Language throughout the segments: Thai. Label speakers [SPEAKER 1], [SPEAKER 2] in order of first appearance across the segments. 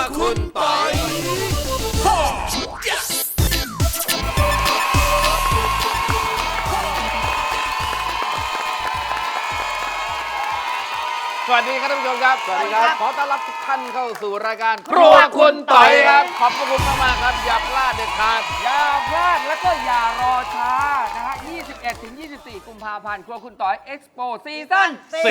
[SPEAKER 1] คุณปอยสวัสดีครับท่านผู้ชมครับ สวัสดีครับ ขอต้อนรับทุกท่านเข้าสู่รายการครัวคุณต่อยครับ ขอบคุณมากๆครับอย่าพลาดเด็ดขาด
[SPEAKER 2] อย่าพลาดแล้วก็อย่ารอช้านะฮะ 21-24 กุมภาพันธ์ครัวคุณต่อยเอ็กซ์โปซีซั่น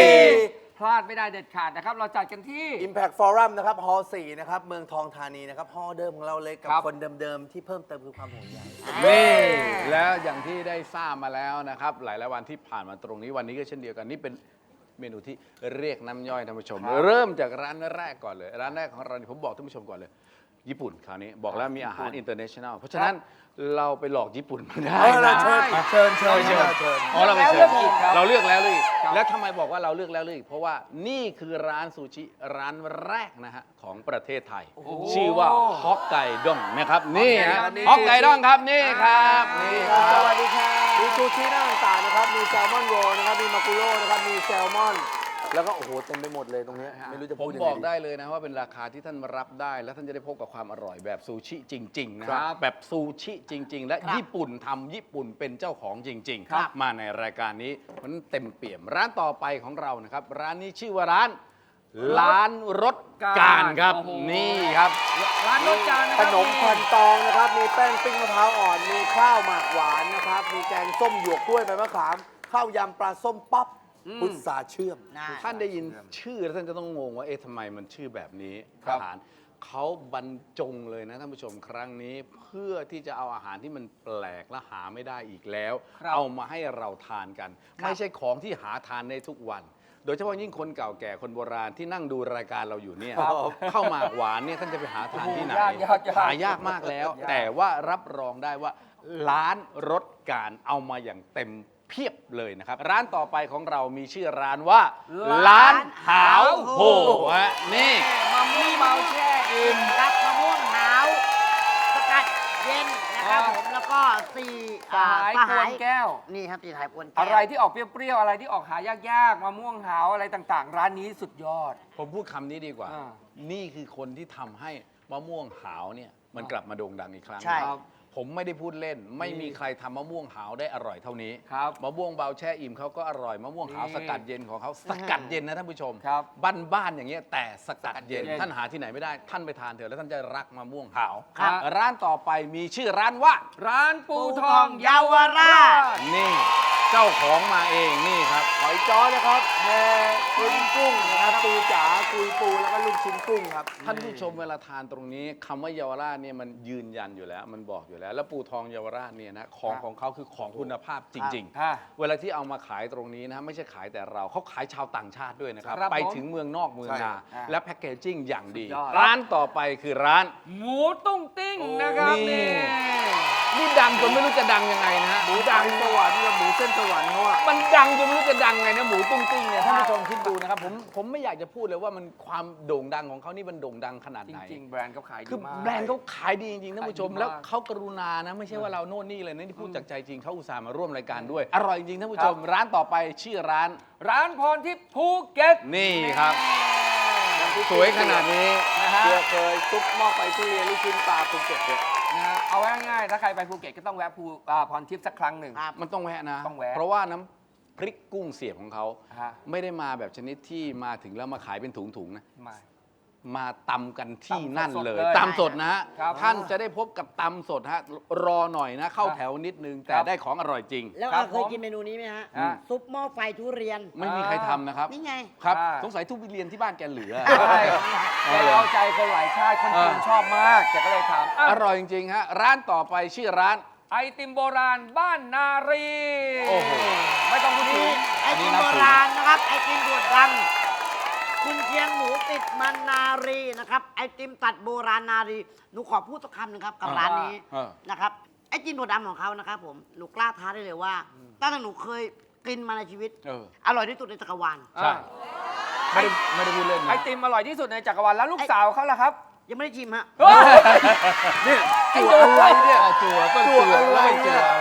[SPEAKER 2] 4 พลาดไม่ได้เด็ดขาดนะครับ เราจัดกันที่
[SPEAKER 3] Impact Forum นะครับฮอลล์4นะครับเมืองทองธานีนะครับฮอลล์เดิมของเราเลยกับ
[SPEAKER 2] ครับ
[SPEAKER 3] คนเดิมๆที่เพิ่มเติมคือความห่วงใย
[SPEAKER 1] นี่แล้วอย่างที่ได้ทราบมาแล้วนะครับหลายๆวันที่ผ่านมาตรงนี้วันนี้ก็เช่นเดียวกันนี่เป็นเมนูที่เรียกน้ำย่อยท่านผู้ชม เริ่มจากร้านแรกก่อนเลยร้านแรกของเราผมบอกท่านผู้ชมก่อนเลยญี่ปุ่นคราวนี้บอกแล้วมีอาหารอินเตอร์เนชั่นแนลเพราะฉะนั้นเราไปหลอกญี่ปุ่นมาได้นะ
[SPEAKER 3] เชิญ
[SPEAKER 1] อ๋อเราไปเชิญ
[SPEAKER 2] เราเลือกอีกครับ
[SPEAKER 1] เราเลือกแล้วเลย
[SPEAKER 2] ครับ
[SPEAKER 1] แล้วทำไมบอกว่าเราเลือกแล้วเลยเพราะว่านี่คือร้านซูชิร้านแรกนะฮะของประเทศไทย ชื่อว่าฮอกไกด้งนะครับนี่ฮะฮอกไกด้งครับนี่ครับนี่ค
[SPEAKER 3] ส
[SPEAKER 1] รับ
[SPEAKER 3] วัสดีครับมีซูชิหน้าต่างๆนะครับมีแซลมอนโรลนะครับมีมากุโร่นะครับมีแซลมอนแล้วก็โอ้โหเต็มไปหมดเลยตรงนี้ไม่รู้จะ
[SPEAKER 1] ผ
[SPEAKER 3] พู
[SPEAKER 1] ม
[SPEAKER 3] ดยัง
[SPEAKER 1] บ
[SPEAKER 3] ไง
[SPEAKER 1] อกได้เลยนะว่าเป็นราคาที่ท่านรับได้ และท่านจะได้พบกับความอร่อยแบบซูชิจริง ๆ นะครับแบบซูชิจริง ๆ และญี่ปุ่นทำญี่ปุ่นเป็นเจ้าของจริง
[SPEAKER 2] ครับ
[SPEAKER 1] ๆ มาในรายการนี้มันเต็มเปี่ยมร้านต่อไปของเรานะครับ ร้านนี้ชื่อว่าร้านรถการครับ
[SPEAKER 2] โอ้โห
[SPEAKER 1] นี่ครับ
[SPEAKER 2] ร้านรสจานนะค
[SPEAKER 3] ข
[SPEAKER 2] รับ
[SPEAKER 3] นมพันตองนะครับมีแป้งปิ้งมะพร้าวอ่อนมีข้าวหมากหวานนะครับมีแกงส้มหยวกกล้วยใบมะขามข้าวยำปลาส้มป๊อปพุทราเชื่อม
[SPEAKER 1] ท่านได้ยินชื่อแล้วท่านจะต้องงงว่าเอ๊ะทำไมมันชื่อแบบนี้
[SPEAKER 2] ครับ
[SPEAKER 1] อาหารเขาบรรจงเลยนะท่านผู้ชมครั้งนี้ เพื่อที่จะเอาอาหารที่มันแปลกและหาไม่ได้อีกแล้ว
[SPEAKER 2] ครับ
[SPEAKER 1] เอามาให้เราทานกัน ไม่ใช่ของที่หาทานได้ทุกวัน โดยเฉพาะยิ่งคนเก่าแก่คนโบราณที่นั่งดูรายการเราอยู่เนี่ยเข้าวหมากหวานเนี่ยท่านจะไปหาทานที่ไหน
[SPEAKER 2] ยาก
[SPEAKER 1] หายากมากแล้ว แต่ว่ารับรองได้ว่าร้านรถการเอามาอย่างเต็มเพียบเลยนะครับ ร้านต่อไปของเรามีชื่อร้านว่า ร้านหาวโหฮะนี่
[SPEAKER 2] มะม่วงเมาแช่อิ่ม
[SPEAKER 4] รับมะม่วงหาวสกัดเย็นนะครับผมแล้วก็สี่
[SPEAKER 2] สายกวนแก้ว
[SPEAKER 4] นี่ครับสี่สายกวนแก้ว
[SPEAKER 2] อะไรที่ออกเปรี้ยวๆ อะไรที่ออกหายากๆ มะม่วงหาวอะไรต่างๆ ร้านนี้สุดยอด
[SPEAKER 1] ผมพูดคำนี้ดีกว่า
[SPEAKER 2] อ่า
[SPEAKER 1] นี่คือคนที่ทำให้มะม่วงหาวเนี่ยมันกลับมาโด่งดังอีกครั้ง
[SPEAKER 4] ใช่
[SPEAKER 2] ครับ
[SPEAKER 1] ผมไม่ได้พูดเล่น ไม่มีใครทำมะม่วงหาวได้อร่อยเท่านี้
[SPEAKER 2] ครับ
[SPEAKER 1] มะม่วงเบาแช่อิ่มเขาก็อร่อยมะม่วงหาว
[SPEAKER 2] นี่
[SPEAKER 1] สกัดเย็นของเขาสกัดเย็นนะท่านผู้ชม
[SPEAKER 2] ครับ
[SPEAKER 1] บ้านๆอย่างเงี้ยแต่สกัดเย็น
[SPEAKER 2] สกัดเย็น
[SPEAKER 1] ท่านหาที่ไหนไม่ได้ท่านไปทานเถอะแล้วท่านจะรักมะม่วงหาว
[SPEAKER 2] ครับ
[SPEAKER 1] ร้านต่อไปมีชื่อร้านว่า
[SPEAKER 2] ร้านปูทองเยาวราช
[SPEAKER 1] นี่เจ้าของมาเองนี่ครับ
[SPEAKER 3] หอยจ้อนะครับแพกุ้งกุ้งนะครับปูจ๋ากุยปูแล้วก็ลูกชิ้นกุ้งครับ
[SPEAKER 1] ท่านผู้ชมเวลาทานตรงนี้คำว่าเยาวราชเนี่ยมันยืนยันอยู่แล้วมันบอกอยู่แล้ว แล้วปูทองเยาวราชเนี่ยนะของเขาคือของคุณภาพจริง
[SPEAKER 2] อ่ะ
[SPEAKER 1] ๆ เวลาที่เอามาขายตรงนี้นะไม่ใช่ขายแต่เราเขาขายชาวต่างชาติด้วยนะครับ
[SPEAKER 2] ครับ
[SPEAKER 1] ไป
[SPEAKER 2] ผม
[SPEAKER 1] ถึงเมืองนอกเมืองนา
[SPEAKER 2] ใช่
[SPEAKER 1] และแพ็กเกจจิ้งอย่างดี
[SPEAKER 2] สุดยอด
[SPEAKER 1] ร้านต่อไปคือร้าน
[SPEAKER 2] หมูตุ้งติ้งนะครับ
[SPEAKER 1] นี่
[SPEAKER 2] นี่
[SPEAKER 1] นี่ดังจนไม่รู้จะดังยังไงนะฮะ
[SPEAKER 3] หมูดังสวรรค์กับหมูเส้นสวรรค์เขาอะ
[SPEAKER 1] มันดังจนไม่รู้จะดังไงนะหมูตุ้งติ้งเนี่ยท่านผู้ชมคิดดูนะครับผมไม่อยากจะพูดเลยว่ามันความโด่งดังของเขานี่มันโด่งดังขนาด
[SPEAKER 2] จ
[SPEAKER 1] ไหน
[SPEAKER 2] ริงๆ แบรนด์เขาขายดี
[SPEAKER 1] คือ
[SPEAKER 2] มาก
[SPEAKER 1] แบรนด์เขาขายดีจริงๆท่านผู้ชม
[SPEAKER 2] ขายดีมาก
[SPEAKER 1] แล้วเขากรุณานะไม่ใช่ว่าเราโน่นนี่เลยนะที่พูดจากใจจริงเขาอุตส่าห์มาร่วมรายการด้วย อร่อยจริงๆท่านผู้ชม ร้านต่อไปชื่อร้าน
[SPEAKER 2] ร้านพรทิพย์ภูเก็ต
[SPEAKER 1] นี่ครับ สวยขนาดนี้
[SPEAKER 2] นะฮะ
[SPEAKER 3] เพื่อเคยซุปหม้อไฟทุเรียนลูกชิ้นปลาภูเก็ตเนี่ย
[SPEAKER 2] นะฮะเอาไว้ง่ายๆถ้าใครไปภูเก็ตก็ต้องแวะพรทิพย์สักครั้งหนึ่ง
[SPEAKER 4] ครับ
[SPEAKER 1] มันต้องแวะนะ
[SPEAKER 2] ต้องแวะ
[SPEAKER 1] เพราะว่าน้ำพริกกุ้งเสียบของเขา
[SPEAKER 2] ฮะ
[SPEAKER 1] ไม่ได้มาแบบชนิดที่มาถึงแล้วมาขายเป็นถุงๆนะ
[SPEAKER 2] มา
[SPEAKER 1] มาตำกันที่นั่นเลย
[SPEAKER 2] ตำสดๆเลย
[SPEAKER 1] ตำสดนะฮะ
[SPEAKER 2] ครับ
[SPEAKER 1] ท่านจะได้พบกับตำสดฮะรอหน่อยนะ เข้าแถวนิดนึง แต่
[SPEAKER 2] ครับ
[SPEAKER 1] ได้ของอร่อยจริง
[SPEAKER 4] แล้ว
[SPEAKER 2] ครั
[SPEAKER 4] ก็
[SPEAKER 2] บ
[SPEAKER 4] เคยกินเมนูนี้ไหมฮะ
[SPEAKER 2] อ่า
[SPEAKER 4] ซุปหม้อไฟทุเรียน
[SPEAKER 1] ไม่มีใครทำนะครับ
[SPEAKER 4] นี่ไง
[SPEAKER 1] ครับ
[SPEAKER 2] อ่า
[SPEAKER 1] สงสัยทุบเรียนที่บ้านแกเหลือ
[SPEAKER 2] ใช่แกเอาใจคนหลายชาติคนจีนชอบมากแกก็เลยทำอ่ะ
[SPEAKER 1] อร่อยจริงๆฮะร้านต่อไปชื่อร้าน
[SPEAKER 2] ไอติมโบราณบ้านนารี
[SPEAKER 1] โอ้โห
[SPEAKER 2] ไม่ต้องพูดถึง
[SPEAKER 4] ไอติมโบราณนะครับ ไอติมบวดดังคุณเชียงหมูติดมันนารีนะครับ ไอติมตัดโบราณนารี หนูขอพูดสักคำหนึ่งครับกับร้านนี้
[SPEAKER 1] เออ
[SPEAKER 4] นะครับ ไอติมบวดดำของเขานะครับผม หนูกล้าท้าได้เลยว่า ตั้งแต่หนูเคยกินมาในชีวิต
[SPEAKER 1] เออ
[SPEAKER 4] อร่อยที่สุดในจักรวาล
[SPEAKER 1] ใช่ ไม่ได้พูดเล่น
[SPEAKER 2] ไอ
[SPEAKER 1] นะ
[SPEAKER 2] ติมอร่อยที่สุดในจักรวาลแล้วลูกสาวเขาล่ะครับ
[SPEAKER 4] ยังไม่ได้ชิมฮะ
[SPEAKER 3] เนี่ยจั่วอะไรเนี่ย
[SPEAKER 1] จั่วก็จั่วอะไรจั่วอะไร
[SPEAKER 4] ลูกส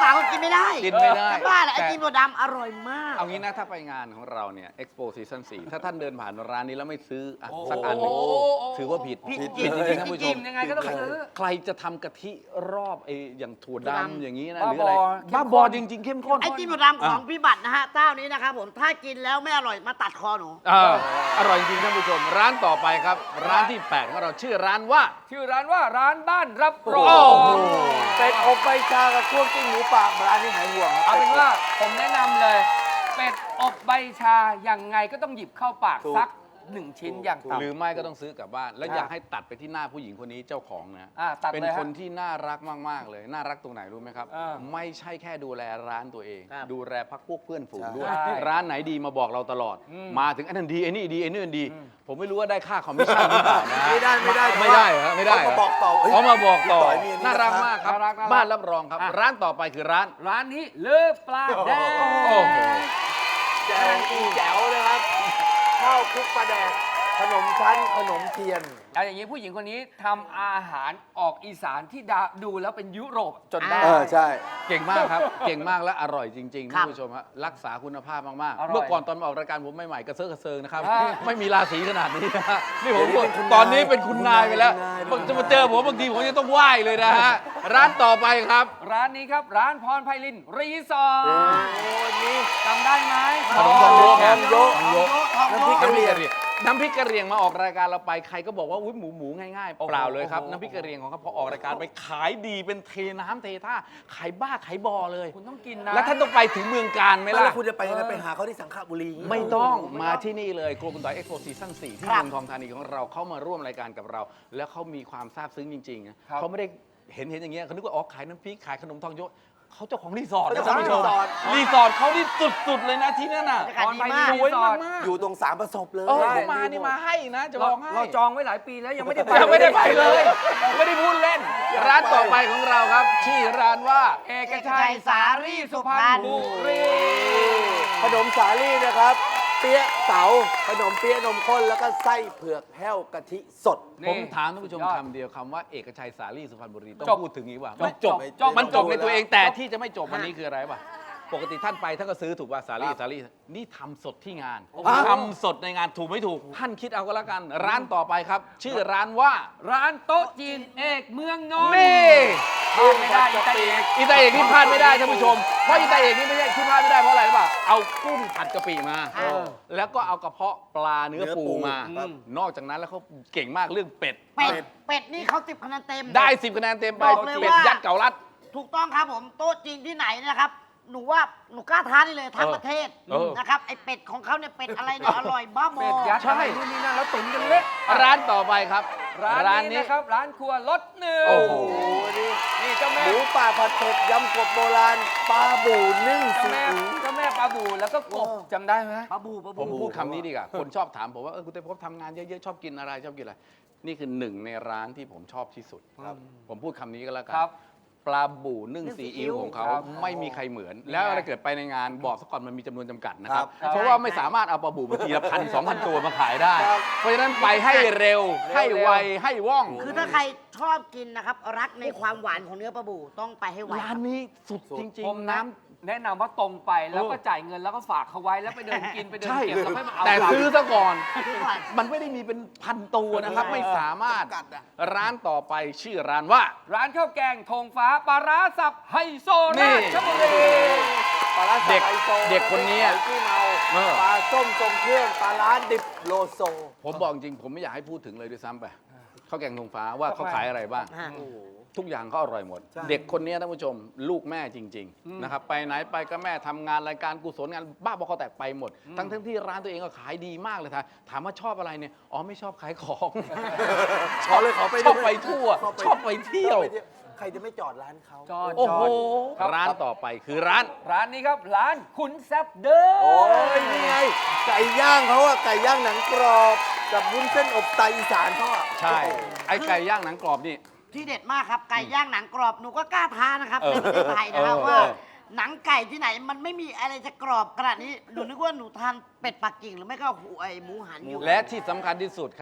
[SPEAKER 4] าวๆก็กินไม่ได้
[SPEAKER 1] กินไม่ได้
[SPEAKER 4] จะบ้าเหรอไอ
[SPEAKER 1] แต่
[SPEAKER 4] ติมถั่วดำอร่อยมาก
[SPEAKER 1] เอางี้นะถ้าไปงานของเราเนี่ย Expo Season 4 ถ้าท่านเดินผ่านร้านนี้แล้วไม่ซื้ออ่ะสักอันหนึ่งถือว่าผิด
[SPEAKER 4] ผิด
[SPEAKER 1] ผิดจริงๆท่านผู้ช
[SPEAKER 2] กิ
[SPEAKER 1] ม
[SPEAKER 2] นยังไงก็ต้องซื้อ
[SPEAKER 1] ใครจะทำกะทิรอบไอ้อย่างถั่ว
[SPEAKER 4] ถั่วดำ
[SPEAKER 1] ดำอย่างนี้นะ
[SPEAKER 2] บ้า
[SPEAKER 1] หรืออะไร
[SPEAKER 2] บอ
[SPEAKER 1] บ้าบอจริง ๆ เข้มข้น
[SPEAKER 4] ไอติมถั่วดำของพี่บัตรนะฮะเจ้านี้นะครับผมถ้ากินแล้วไม่อร่อยมาตัดคอหนู
[SPEAKER 1] อร่อยจริงๆท่านผู้ชม ร้านต่อไปครับ ร้านที่ 8 ของเราชื่อร้านว่า
[SPEAKER 2] ชื่อร้านว่าร้านบ้านรับรอ
[SPEAKER 1] โอ้
[SPEAKER 2] ง
[SPEAKER 1] โห
[SPEAKER 3] เป็ดอบใบชากับคั่วกลิ้งหมูป่าร้านนี้หายห่วงครับ
[SPEAKER 2] เอาเป็นว่าผมแนะนำเลย เป็ดอบใบชายังไงก็ต้องหยิบเข้าปาก
[SPEAKER 3] ถูก
[SPEAKER 2] สัก 1 ชิ้นอย่าง
[SPEAKER 1] หรือ
[SPEAKER 2] ต่ำ
[SPEAKER 1] ไม่ก็ต้องซื้อกลับบ้าน แล้วอยากให้ตัดไปที่หน้าผู้หญิงคนนี้เจ้าของนะ
[SPEAKER 2] ตัด
[SPEAKER 1] เป็น
[SPEAKER 2] เลย
[SPEAKER 1] ค
[SPEAKER 2] ฮะ
[SPEAKER 1] นที่น่ารักมาก ๆ เลย น่ารักตรงไหนรู้ไหมครับ
[SPEAKER 2] อ่า
[SPEAKER 1] ไม่ใช่แค่ดูแลร้านตัวเอง
[SPEAKER 4] ครับ
[SPEAKER 1] ดูแลพักพวกเพื่อนฝูงด้วย
[SPEAKER 2] ใช่
[SPEAKER 1] ร้านไหนดีมาบอกเราตลอด
[SPEAKER 2] อืม
[SPEAKER 1] มาถึงอันนั้นดีไอ้นี่ดีไอ้นี่ดี ผมไม่รู้ว่าได้ค่าคอมมิชชั่นหรือเปล่านะ
[SPEAKER 3] ไม่ได้
[SPEAKER 1] ไม่ได้เหรอไม่ได้
[SPEAKER 3] เขา
[SPEAKER 1] เหร
[SPEAKER 3] มาบอกต่อ
[SPEAKER 1] เขามาบอกต่อ
[SPEAKER 3] พี่ยมีอั
[SPEAKER 1] น่ารักมากครับ
[SPEAKER 2] น่ารัก
[SPEAKER 1] บ้านรับรองครับ ร้านต่อไปคือร้าน
[SPEAKER 2] ร้านนี้เลือปลาแดง
[SPEAKER 1] โอ้โห
[SPEAKER 3] แจ๋วแจ๋วเลยครับข้าวคลุกปลาแดกขนมชั้นขนมเทียน
[SPEAKER 2] เอาอย่างนี้ผู้หญิงคนนี้ทำอาหารออกอีสานที่ดูแล้วเป็นยุโรป
[SPEAKER 1] จนได้
[SPEAKER 3] ใช่
[SPEAKER 1] เก่งมากครับ เก่งมากและอร่อยจริงๆ
[SPEAKER 4] ครั
[SPEAKER 1] ท่า
[SPEAKER 4] บ
[SPEAKER 1] นผู้ชมฮะรักษาคุณภาพมาก
[SPEAKER 2] อร่อย
[SPEAKER 1] ๆ เมื่อก่อนตอนมาออกรายการผมใหม่ๆกระเซาะกระเซิงนะครับ
[SPEAKER 2] อ่า
[SPEAKER 1] ไม่มีราศีขนาดนี้นะฮะนี่ผม
[SPEAKER 3] เดี๋ยวนี้เป็นคุณนาย
[SPEAKER 1] ตอนนี้เป็นคุณนายไปแล้ว
[SPEAKER 3] คุณนาย
[SPEAKER 1] จะมาเจอผมบางทีผมจะต้องไหว้เลยนะฮะร้านต่อไปครับ
[SPEAKER 2] ร้านนี้ครับ ร้านพรไพลินรีสอร์ท
[SPEAKER 3] วันนี้
[SPEAKER 2] จำได้ไหม
[SPEAKER 1] ขนมทองโยก
[SPEAKER 3] ทองโยก
[SPEAKER 1] ทองโยก
[SPEAKER 3] น้ำพริกกะเหรี่ยง
[SPEAKER 1] น้ำพริกกะเหรี่ยงมาออกรายการเราไปใครก็บอกว่าอุ้ยหมูง่ายๆเปล่าเลยครับน้ำพริกกะเหรี่ยงของเขาพอออกรายการไปขายดีเป็นเทน้ำเทท่าขายบ้าขายบอเลย
[SPEAKER 2] คุณต้องกินนะ
[SPEAKER 1] แล้วท่านต้องไปถึงเมืองการไหม
[SPEAKER 3] ไม่
[SPEAKER 1] ล่ะ
[SPEAKER 3] แล้วคุณจะไปยังไงไปหาเขาที่สังขบุรี
[SPEAKER 1] ไม่ต้องมาที่นี่เลยครัวคุณต่อยเอ็กโปซีซั่น4ที่
[SPEAKER 4] ครับ
[SPEAKER 1] เมืองทองธานีของเราเข้ามาร่วมรายการกับเรา แล้วเขามีความซาบซึ้งจริงๆนะครับ เขาไม่ได้เห็นอย่างเงี้ยเขานึกว่าอ๋อขายน้ำพริกขายขนมทองโยกเขาเจ้าของรีสอร์ทนะ
[SPEAKER 3] เจ้า
[SPEAKER 1] ท่าน
[SPEAKER 3] ของ
[SPEAKER 1] ผู้ชม
[SPEAKER 3] รีสอร์ท
[SPEAKER 1] รีสอร์ทเขาที่สุดๆเลยนะที่นั่นน่ะ
[SPEAKER 4] บรรยากาศดีมาก
[SPEAKER 1] สวยมากๆ
[SPEAKER 3] อยู่ตรงสามประสบเลย
[SPEAKER 1] เขามานี่มาให้นะจะบอกให้
[SPEAKER 2] เราจองไว้หลายปีแล้วยังไม่ได้ไป
[SPEAKER 1] ยังไม่ได้ไปเลย ไม่ได้พูดเล่น ร้านต่อไปของเราครับ ชื่อร้านว่า
[SPEAKER 2] เอกชัยสารีสุพรรณบุรี
[SPEAKER 3] ขนมสาลี่นะครับ เปี๊ยะเต๋าขนมเปี๊ยะนมข้นแล้วก็ไส้เผือกแห้วกะทิสด
[SPEAKER 2] นี่
[SPEAKER 1] ผมถามท่านผู้ชม
[SPEAKER 2] สุดยอด
[SPEAKER 1] คำเดียวคำว่าเอกชัยสาลีสุพรรณบุรีต้อง
[SPEAKER 2] จบ
[SPEAKER 1] พูดถึงนี้ว่า
[SPEAKER 2] จบ
[SPEAKER 1] มันจบ
[SPEAKER 2] จบ
[SPEAKER 1] มันจบใน
[SPEAKER 3] จบ
[SPEAKER 1] ตัวเอง
[SPEAKER 3] แล้ว
[SPEAKER 1] แต่ที่จะไม่จบวันนี้คืออะไรป่ะปกติท่านไปท่านก็ซื้อถูกป่ะสาลีสาลีนี่ทำสดที่งานทำสดในงานถูกไม่ถูก ท่านคิดเอาก็แล้วกัน ร้านต่อไปครับ ชื่อร้านว่า
[SPEAKER 2] ร้านโต๊ะจีนเอกเมืองนนท์
[SPEAKER 1] นี่
[SPEAKER 2] พลาดไม่ได้อีตาเอก
[SPEAKER 1] อีตาเอกนี่พลาดไม่ได้ท่านผู้ชมเพราะอีตาเอกนี่ไม่ใช่ที่พลาดไม่ได้เพราะอะไรรู้ป่ะเอากุ้งผัดกะปิมา แล้วก็เอากระเพาะปลาเนื้อปูมา
[SPEAKER 3] ครับ
[SPEAKER 1] นอกจากนั้นแล้วเขาเก่งมากเรื่องเป็ด
[SPEAKER 4] เป็ดนี่เขา10คะแนนเต็ม
[SPEAKER 1] ได้10 คะแนนเต็มไป
[SPEAKER 4] บอกเลย
[SPEAKER 1] เป็ด
[SPEAKER 4] ว่า
[SPEAKER 1] ยัดเก่ารัด
[SPEAKER 4] ถูกต้องครับผมโต๊ะจีนที่ไหนนะครับ หนูว่าหนูกล้าท้าได้เลยทั้งประเทศ
[SPEAKER 1] เออ
[SPEAKER 4] นะครับไอเป็ดของเขาเนี่ยเป็ดอะไรเนี่ยอร่อยบ้าบอ
[SPEAKER 2] เป็ดยัด
[SPEAKER 1] ใช่
[SPEAKER 2] อะไรนู่นนี่นั่นแล้วตุ๋นกันเละ
[SPEAKER 1] ร้านต่อไปครับ
[SPEAKER 2] ร้านนี้นะครับ ร้านครัวรสหนึ่ง
[SPEAKER 1] โอ้โห
[SPEAKER 3] นี่
[SPEAKER 2] นี่เจ้า
[SPEAKER 3] ห
[SPEAKER 2] แม่
[SPEAKER 3] มูป่าผัดเผ็ดยำกบโบราณปลาบูนึ่ง
[SPEAKER 2] เจ้า
[SPEAKER 3] ซี
[SPEAKER 2] แม่
[SPEAKER 3] อิ๊ว
[SPEAKER 2] เจ้าแม่ปลาบูแล้วก็กบจำได้ไหม
[SPEAKER 4] ปลาบู
[SPEAKER 1] ผมพูดคำนี้ดีกว่าคนชอบถามผมว่าคุณเต้พบทำงานเยอะๆชอบกินอะไรชอบกินอะไร นี่คือหนึ่งในร้านที่ผมชอบที่สุด
[SPEAKER 3] ครับ
[SPEAKER 1] ผมพูดคำนี้ก็แล้วกั
[SPEAKER 2] ครับ
[SPEAKER 1] ปลาบูนึ่งซีอิ๊วของเขา
[SPEAKER 2] ครับ
[SPEAKER 1] ไม่มีใครเหมือน แล้วถ้าเกิดไปในงานบอกซะก่อนมันมีจำนวนจำกัดนะครับ
[SPEAKER 2] ครับ
[SPEAKER 1] เพราะว่าไม่สามารถเอาปลาบูมาทีละ1,000-2,000 ตัวมาขายได้
[SPEAKER 3] ครับ
[SPEAKER 1] เพราะฉะนั้นไปให้เร็วให้ไวให้ว่อง
[SPEAKER 4] คือถ้าใครชอบกินนะครับ รักในความหวานของเนื้อปลาบูต้องไปให้ไว
[SPEAKER 1] ร้านนี้สุดจริง
[SPEAKER 2] ผม
[SPEAKER 1] ๆ น้ำ
[SPEAKER 2] แนะนำว่าตรงไปแล้วก็จ่ายเงินแล้วก็ฝากเขาไว้แล้วไปเดินกินไปเดิน
[SPEAKER 1] ใช่
[SPEAKER 2] เก็บแล้วค่อยมาเอา
[SPEAKER 1] แต่ซื้อซะก่อน
[SPEAKER 4] ซื้อก่อน
[SPEAKER 1] มันไม่ได้มีเป็นพันตัวนะครับ ไม่สามารถ
[SPEAKER 3] จำกัดอะ
[SPEAKER 1] ร้านต่อไปชื่อร้านว่า
[SPEAKER 2] ร้านข้าวแกงธงฟ้าปลาร้าสับไฮโซ
[SPEAKER 1] นี่
[SPEAKER 2] ราชบุรี
[SPEAKER 3] ปลาร้า
[SPEAKER 1] เด็ก
[SPEAKER 3] สับไอโซ
[SPEAKER 1] เด็กคนนี้
[SPEAKER 3] หอยขี้เมา
[SPEAKER 1] เออ
[SPEAKER 3] ปลาส้มทรงเครื่องปลาร้าดิบโลโซ
[SPEAKER 1] ผมบอกจริงผมไม่อยากให้พูดถึงเลยด้วยซ้ำไปข้าวแกงธงฟ้าว่าเขาขายอะไรบ้าง
[SPEAKER 4] ฮะ
[SPEAKER 3] โอ้โห
[SPEAKER 1] ทุกอย่างเขาอร่อยหมด
[SPEAKER 3] ใช่
[SPEAKER 1] เด็กคนนี้ท่านผู้ชม ลูกแม่จริง ๆ นะครับ ไปไหนไปก็แม่ทำงานรายการกุศลงานบ้าบอคอแตกไปหมด ทั้งที่ร้านตัวเองก็ขายดีมากเลยถามว่าชอบอะไรเนี่ยอ๋อไม่ชอบขายของ
[SPEAKER 3] ขอเลยขอไป
[SPEAKER 1] ชอบไปทั่ว ชอบไปเที่ยว
[SPEAKER 3] ใครจะไม่จอดร้านเขา
[SPEAKER 2] จอด
[SPEAKER 1] โอ้
[SPEAKER 2] จ
[SPEAKER 1] โห
[SPEAKER 2] อดครับ
[SPEAKER 1] ร้านต่อไปคือร้าน
[SPEAKER 2] ร้านนี้ครับ ร้านขุนแซบเด้อ
[SPEAKER 3] โอ้ยนี่ไง ไก่ย่างเขาอะไก่ย่างหนังกรอบ กับวุ้นเส้นอบไตอีสานเขาอะ
[SPEAKER 1] ใช่ไอ้ไก่ย่างหนังกรอบนี่
[SPEAKER 4] ที่เด็ดมากครับ ไก่ย่างหนังกรอบหนูก็กล้าท้านะครับ
[SPEAKER 1] เออ
[SPEAKER 4] ในประเทศไทยนะครับ
[SPEAKER 1] เออ
[SPEAKER 4] ว่า
[SPEAKER 1] เออ
[SPEAKER 4] หนังไก่ที่ไหนมันไม่มีอะไรจะกรอบขนาดนี้หนูนึกว่าหนูทานเป็ดปักกิ่งหรือไม่ก็ไอหมูหันอยู่
[SPEAKER 1] และที่สำคัญที่สุดครับ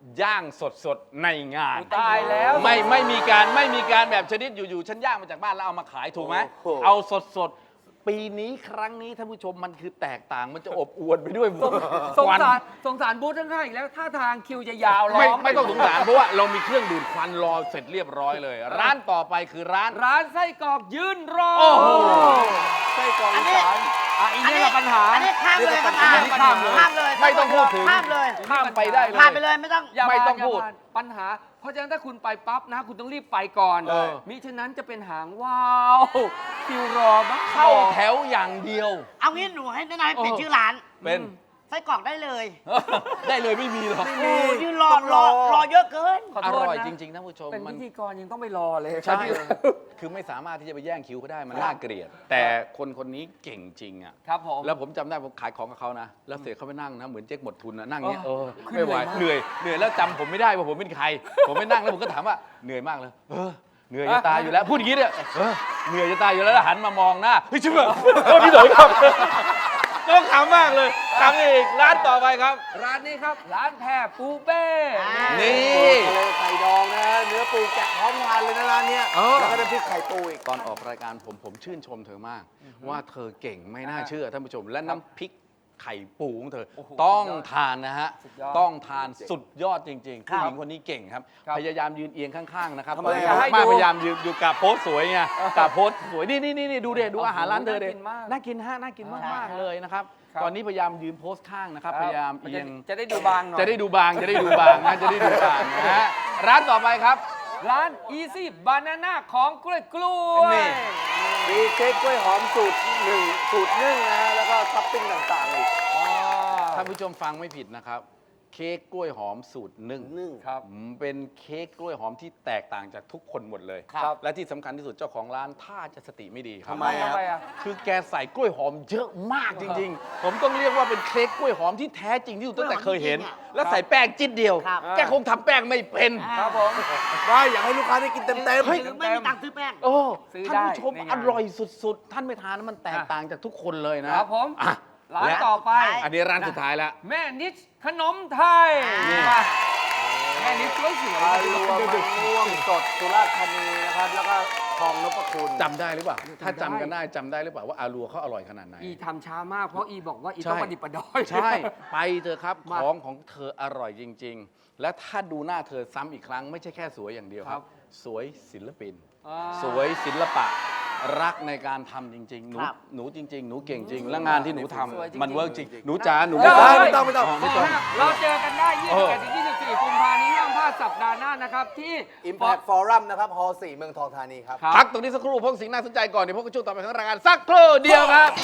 [SPEAKER 1] ย่างสดๆในงาน
[SPEAKER 2] ตายแล้ว
[SPEAKER 1] ไม่มีการแบบชนิดอยู่ๆฉันย่างมาจากบ้านแล้วเอามาขายถูกไหม
[SPEAKER 3] โอ้โห
[SPEAKER 1] เอาสดๆปีนี้ครั้งนี้ท่านผู้ชมมันคือแตกต่างมันจะอบอวลไปด้วย
[SPEAKER 2] สง
[SPEAKER 1] ควัน
[SPEAKER 2] สารบูธข้างๆอีกแล้วท่าทางคิวจะยาวล้
[SPEAKER 1] ไม่ต้องสงสารเพราะว่าเรามีเครื่องดูดควันรอเสร็จเรียบร้อยเลย ร้านต่อไปคือร้าน
[SPEAKER 2] ร้านไส้กรอกยืนรอ
[SPEAKER 1] โอ้โห
[SPEAKER 3] ไส้กรอกอีสาน
[SPEAKER 2] อีกนี่แหละปัญหา
[SPEAKER 4] อันนี้ข้ามเลยครับ
[SPEAKER 2] อันนี้ข้ามเลย
[SPEAKER 4] ข้ามเลย
[SPEAKER 1] ไม่ต้องพูดถึง
[SPEAKER 4] ข้ามเลย
[SPEAKER 1] ข้ามไปได้เลย
[SPEAKER 4] ข้ามไปเลยไม่ต้อง
[SPEAKER 2] อย่า
[SPEAKER 1] ไม่
[SPEAKER 2] มา
[SPEAKER 1] ต้อง
[SPEAKER 2] อย่า
[SPEAKER 1] พูด
[SPEAKER 2] มาปัญหา เพราะฉะนั้นถ้าคุณไปปั๊บนะ คุณต้องรีบไปก่อน
[SPEAKER 1] เออ
[SPEAKER 2] มิฉะนั้นจะเป็นหางว่าวคิวรอบ้า
[SPEAKER 1] เข้าแถวอย่างเดียว
[SPEAKER 4] เอางี้หนูให้แนะนำให้เปลี่ยนชื่อร้าน
[SPEAKER 1] เป็น
[SPEAKER 4] ไส้กรอกได้เลย
[SPEAKER 1] ได้เลยไม่มีหรอก
[SPEAKER 4] โอ้ยยืนรอเยอะเกิน
[SPEAKER 2] ขอ
[SPEAKER 1] อ
[SPEAKER 2] โทษ
[SPEAKER 1] ร่อย
[SPEAKER 2] นะ
[SPEAKER 1] จริงๆท่านผู้ชม
[SPEAKER 2] เป็น
[SPEAKER 1] มั
[SPEAKER 2] พิ
[SPEAKER 1] น
[SPEAKER 2] ธีกรยังต้องไปรอเลย
[SPEAKER 1] ใช่ คือไม่สามารถที่จะไปแย่งคิวเขาได้มันน่าเกลียด แต่คนนี้เก่งจริงอ่ะ
[SPEAKER 2] ครับผม
[SPEAKER 1] แล้วผมจำได้ผมขายของกับเขานะ แล้วเสร็จเขาไปนั่งนะ เหมือนเจ๊กหมดทุนนะนั่งเงี้ย
[SPEAKER 2] เออ
[SPEAKER 1] ไม่ไหว
[SPEAKER 2] เหนื่อยมาก
[SPEAKER 1] เหนื่อยแล้วจำผมไม่ได้ว่าผมเป็นใคร ผมไปนั่งแล้วผมก็ถามว่าเหนื่อยมากเลยเหนื่อยจะตายอยู่แล้วพูดอย่างนี้เนี่ยเหนื่อยจะตายอยู่แล้วแล้วหันมามองหน้าเฮ้ยชิบะโอ้พี่โดยครับต้องขำมากเลยขำอีกร้านต่อไปครับ
[SPEAKER 2] ร้านนี้ครับ ร้านแพรปูเป้
[SPEAKER 1] นี่
[SPEAKER 3] ทะเลไข่ดองนะ เนื้อปูแกะพร้อมทานเลยนะร้านเนี้ย
[SPEAKER 1] เออ
[SPEAKER 3] แล้วก็น้ำพริกไข่ปูอีก
[SPEAKER 1] ตอนออกรายการผมชื่นชมเธอมาก ว่าเธอเก่งไม่น่าเชื่อท่านผู้ชม และน้ำพริกไข่ปูของเธอ
[SPEAKER 2] โอ้โห
[SPEAKER 1] ต้องทานนะฮะ
[SPEAKER 2] สุดยอด
[SPEAKER 1] ต้องทานสุดยอดจริงๆ
[SPEAKER 4] ครั
[SPEAKER 1] ผู้
[SPEAKER 4] บ
[SPEAKER 1] หญิงคนนี้เก่งครับ
[SPEAKER 2] ครับ
[SPEAKER 1] พยายามยืนเอียงข้างๆนะครับ
[SPEAKER 3] ทำไม
[SPEAKER 1] ตอนนี้
[SPEAKER 3] ให้
[SPEAKER 1] มา
[SPEAKER 3] ดู
[SPEAKER 1] พยายามยืนอยู่กับโพสสวยไงกับโพสสวยนี่ดูเด็ดูอาหารร้านเธอเด็
[SPEAKER 2] น่ากินมาก
[SPEAKER 1] น่ากินมากๆเลยนะครับ
[SPEAKER 2] ครับ
[SPEAKER 1] ตอนนี้พยายามยืนโพสข้างนะครับพยายามเอียง
[SPEAKER 2] จะได้ดูบางหน่อย
[SPEAKER 1] จะได้ดูบางนะจะได้ดูบางนะฮะร้านต่อไปครับ
[SPEAKER 2] ร้าน Easy Banana ของกล้วยกล้วย
[SPEAKER 1] นี่
[SPEAKER 3] มีเค้กกล้วยหอมสูตรสูตรนึ่งนะฮะแล้วก็ท็อปปิ้งต่างๆอีก
[SPEAKER 1] ท่านผู้ชมฟังไม่ผิดนะครับ เค้กกล้วยหอมสูตรนึ่ง
[SPEAKER 2] ครับ
[SPEAKER 1] เป็นเค้กกล้วยหอมที่แตกต่างจากทุกคนหมดเลย
[SPEAKER 2] ครับ
[SPEAKER 1] และที่สำคัญที่สุดเจ้าของร้านท่าจะสติไม่ดีครับ
[SPEAKER 3] ทำไมอะ
[SPEAKER 1] คือแกใส่กล้วยหอมเยอะมากจริง ๆ ผมต้องเรียกว่าเป็นเค้กกล้วยหอมที่แท้จริงที่สุดตั้งแต่เคยเห็น และใส่แป้งจิ๊ดเดียว
[SPEAKER 4] ครับ
[SPEAKER 1] แกคงทำแป้งไม่เป็น
[SPEAKER 2] ครับผม
[SPEAKER 3] ได้อยากให้ลูกค้าได้กินเต็ม
[SPEAKER 1] เฮ้ย
[SPEAKER 4] หรือไม่มีตังค์ซื้อแป้ง
[SPEAKER 1] โอ้
[SPEAKER 2] ซื้อ
[SPEAKER 1] ท่าน
[SPEAKER 2] ได้
[SPEAKER 1] ผู้ชม
[SPEAKER 2] ในงาน
[SPEAKER 1] อร่อยสุดๆ ท่านไม่ทานแล้วมันแตกต่างจากทุกคนเลยนะครับ
[SPEAKER 2] ผม
[SPEAKER 1] อ่ะ
[SPEAKER 2] ร้าน
[SPEAKER 1] และ
[SPEAKER 2] ต่อไป
[SPEAKER 1] อันนี้ร้านสุดท้ายแล้ว
[SPEAKER 2] แม่นิดขนมไทย
[SPEAKER 1] นี่
[SPEAKER 2] มาแม่นิดสวยๆ
[SPEAKER 3] ๆอารัวมะม่วงสดสุราษฎร์ธานีนะครับ แล้วก็ทองนพคุณ
[SPEAKER 1] จำได้หรือเปล่า ถ้า
[SPEAKER 2] จำได้
[SPEAKER 1] จำกันได้จำได้หรือเปล่าว่าอารัวเขาอร่อยขนาดไหน
[SPEAKER 2] อีทำช้ามากเพราะอีบอกว่าอี
[SPEAKER 1] ใช่
[SPEAKER 2] ต้องประดิษฐ์ประดอย
[SPEAKER 1] ใช่ ไปเถอะครับ
[SPEAKER 2] มา
[SPEAKER 1] ของเธออร่อยจริง ๆ และถ้าดูหน้าเธอซ้ำอีกครั้งไม่ใช่แค่สวยอย่างเดียวค
[SPEAKER 2] ครั
[SPEAKER 1] รับ
[SPEAKER 2] บ
[SPEAKER 1] สวยศิลปิน
[SPEAKER 2] อ่า
[SPEAKER 1] สวยศิลปะ รักในการทำจริง ๆ
[SPEAKER 4] ครับ
[SPEAKER 1] หนูจริง ๆ หนูเก่งจริง และงานที่หนูทำ
[SPEAKER 2] สวยจริงๆ
[SPEAKER 1] มันเวิร์กจริง หนูจ๋าหนู
[SPEAKER 2] เอ้ย
[SPEAKER 3] ไม่ต้อง
[SPEAKER 1] ไม่ต้อง
[SPEAKER 2] เราเจอกันได้
[SPEAKER 1] เออ
[SPEAKER 2] 21ถึง24 กุมภาพันธ์นี้ห้ามพลาดสัปดาห์หน้านะครับที่
[SPEAKER 3] Impact Forum นะครับฮอ4เมืองทองธานีครับ
[SPEAKER 2] ครับ
[SPEAKER 1] พักตรงนี้สักครู่พบสิ่งน่าสนใจก่อนเดี๋ยวพบกับช่วงต่อไปของรายการสักครู่เดียวครับ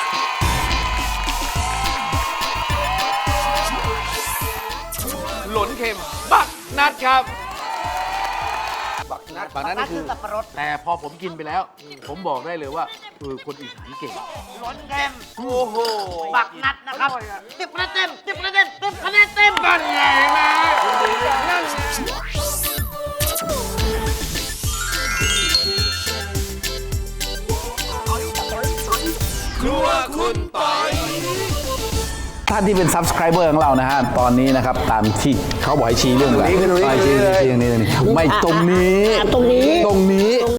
[SPEAKER 1] หลนเค็มบักนัดครับ
[SPEAKER 3] บักนัด
[SPEAKER 1] บักนัด
[SPEAKER 4] นั่
[SPEAKER 1] นี่
[SPEAKER 4] น
[SPEAKER 1] คื
[SPEAKER 4] คือ อสับปะรด
[SPEAKER 1] แต่พอผมกินไปแล้ว ผมบอกได้เลยว่าคนอีสานเก่ง
[SPEAKER 4] หลนเค็ม
[SPEAKER 1] โอ้โห
[SPEAKER 4] บักนัดนะครับ
[SPEAKER 2] อร่อยอะ
[SPEAKER 4] 10 คะแนนเต็ม 10 คะแนนเต็ม 10 คะแนนเต็ม
[SPEAKER 1] นั่นไงนะครัวคุณปอยท่านที่เป็น subscriber ของเรานะฮะ ตอนนี้นะครับ ตามที่เขาบอกให้ชี้เรื่องอะไร
[SPEAKER 3] ตรงนี้
[SPEAKER 1] ชี้ไม่ตรงนี้
[SPEAKER 4] ตรงนี้
[SPEAKER 1] ตรงนี้